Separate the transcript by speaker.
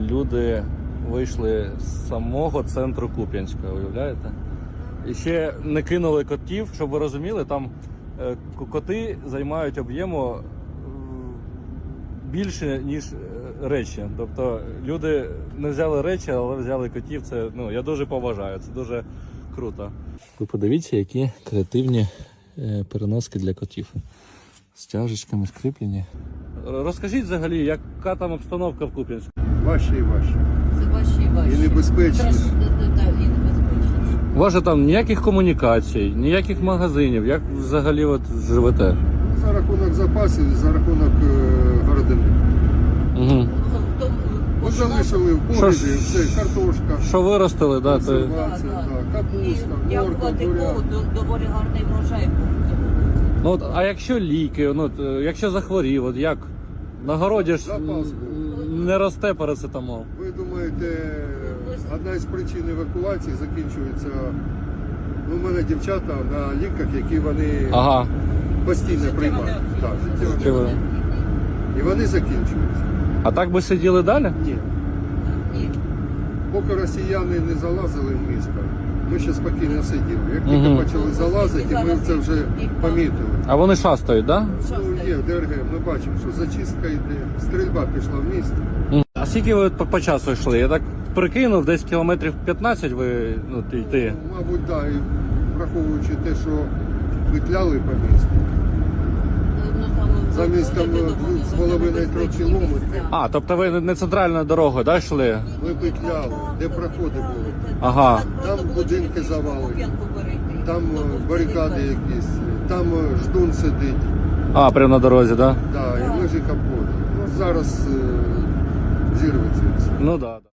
Speaker 1: люди вийшли з самого центру Куп'янська, уявляєте? І ще не кинули котів, щоб ви розуміли, там коти займають об'єму більше, ніж речі. Тобто люди не взяли речі, але взяли котів. Це, ну, я дуже поважаю, це дуже круто. Ви подивіться, які креативні переноски для котів. З тяжечками скріплені. Розкажіть взагалі, яка там обстановка в Куп'янську?
Speaker 2: Важче і важче.
Speaker 3: Це важче і важче.
Speaker 2: І небезпечніше.
Speaker 3: І небезпечніше.
Speaker 1: У вас же там ніяких комунікацій, ніяких магазинів. Як взагалі от живете?
Speaker 2: За рахунок запасів, за рахунок городини.
Speaker 1: Угу.
Speaker 2: Ми залишили в погребі, все, картошка,
Speaker 1: Що виростили, да?
Speaker 2: консервація, капуста, морква, буряк.
Speaker 3: Доволі гарний врожай був цього.
Speaker 1: Ну, от, а якщо ліки, ну, от, якщо захворів, от як? На городі ж
Speaker 2: Запас
Speaker 1: не росте парацетамол.
Speaker 2: Ви думаєте, одна із причин евакуації закінчується, ну, у мене дівчата на ліках, які вони
Speaker 1: Ага.
Speaker 2: постійно приймають. Так, життєво.
Speaker 1: Чого?
Speaker 2: І вони закінчуються.
Speaker 1: А так би сиділи далі?
Speaker 2: Ні.
Speaker 3: Ні.
Speaker 2: Поки росіяни не залазили в місто, ми ще спокійно сиділи. Як тільки
Speaker 1: Мгм.
Speaker 2: почали залазити, ми це вже помітили.
Speaker 1: А вони шастають, так? Да?
Speaker 2: Ну, є ДРГ, ми бачимо, що зачистка йде, стрільба пішла в місто.
Speaker 1: А скільки ви по часу йшли? Я так прикинув, десь кілометрів 15 ви йти.
Speaker 2: Ну, мабуть, так, і враховуючи те, що петляли по місту. Замість там 2,5-3 кілометрів.
Speaker 1: А, тобто ви не центральною дорогою, да, йшли?
Speaker 2: Ми петляли, де проходи були.
Speaker 1: Ага.
Speaker 2: Там будинки завалені, там барикади якісь, там ждун сидить.
Speaker 1: А, прямо на дорозі, так? Да?
Speaker 2: Да, і лежить капот. Ну, зараз зірветься все.
Speaker 1: Ну так. Да.